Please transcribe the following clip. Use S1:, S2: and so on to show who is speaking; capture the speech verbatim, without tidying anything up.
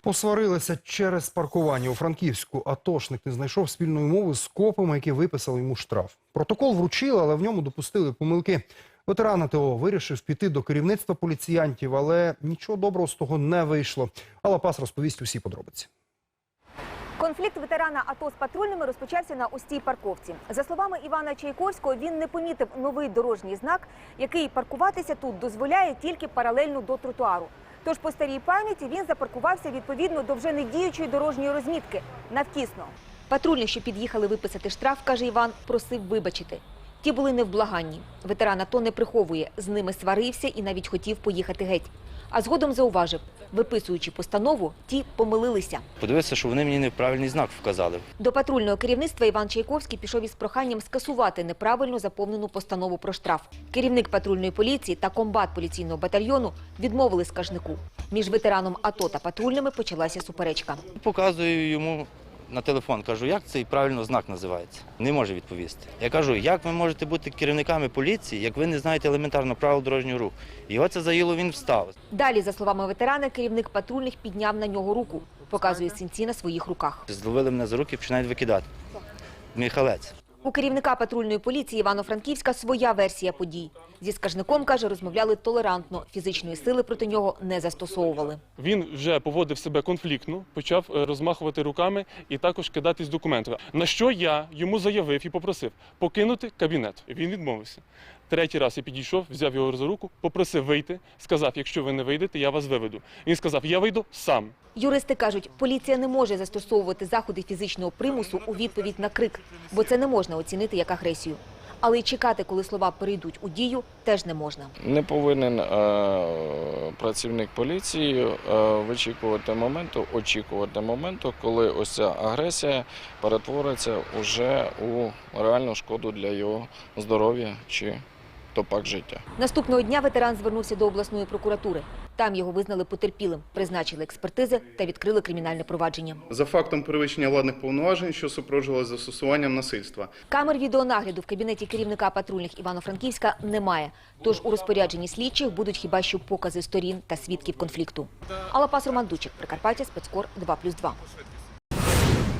S1: Посварилися через паркування у Франківську. Атошник не знайшов спільної мови з копами, які виписали йому штраф. Протокол вручили, але в ньому допустили помилки. Ветеран АТО вирішив піти до керівництва поліціянтів, але нічого доброго з того не вийшло. Алла Пас розповість усі подробиці.
S2: Конфлікт ветерана АТО з патрульними розпочався на ось цій парковці. За словами Івана Чайковського, він не помітив новий дорожній знак, який паркуватися тут дозволяє тільки паралельно до тротуару. Тож по старій пам'яті він запаркувався відповідно до вже недіючої дорожньої розмітки – навтісно. Патрульних, що під'їхали виписати штраф, каже Іван, просив вибачити. Ті були невблаганні. Ветеран АТО не приховує, з ними сварився і навіть хотів поїхати геть. А згодом зауважив, виписуючи постанову, ті помилилися.
S3: Подивився, що вони мені неправильний знак вказали.
S2: До патрульного керівництва Іван Чайковський пішов із проханням скасувати неправильно заповнену постанову про штраф. Керівник патрульної поліції та комбат поліційного батальйону відмовили скаржнику. Між ветераном АТО та патрульними почалася суперечка.
S3: Показую йому на телефон, кажу, як цей правильно знак називається. Не може відповісти. Я кажу, як ви можете бути керівниками поліції, як ви не знаєте елементарно правил дорожнього руху. Його це заїло, він встав.
S2: Далі, за словами ветерана, керівник патрульних підняв на нього руку. Показує синці на своїх руках.
S3: Зловили мене за руки і починають викидати. Михалець.
S2: У керівника патрульної поліції Івано-Франківська своя версія подій. Зі скаржником, каже, розмовляли толерантно, фізичної сили проти нього не застосовували.
S4: Він вже поводив себе конфліктно, почав розмахувати руками і також кидатись документами. На що я йому заявив і попросив покинути кабінет. Він відмовився. Третій раз я підійшов, взяв його за руку, попросив вийти, сказав, якщо ви не вийдете, я вас виведу. Він сказав, я вийду сам.
S2: Юристи кажуть, поліція не може застосовувати заходи фізичного примусу у відповідь на крик, бо це не можна оцінити як агресію. Але й чекати, коли слова перейдуть у дію, теж не можна.
S5: Не повинен е, працівник поліції е, вичікувати моменту, очікувати моменту, коли ось ця агресія перетвориться уже у реальну шкоду для його здоров'я чи то пак життя.
S2: Наступного дня ветеран звернувся до обласної прокуратури. Там його визнали потерпілим, призначили експертизи та відкрили кримінальне провадження.
S6: За фактом перевищення владних повноважень, що супроводжувалося застосуванням насильства.
S2: Камер відеонагляду в кабінеті керівника патрульних Івано-Франківська немає. Тож у розпорядженні слідчих будуть хіба що покази сторін та свідків конфлікту. Алла Пас, Роман Дучик, Прикарпаття, Спецкор два плюс два.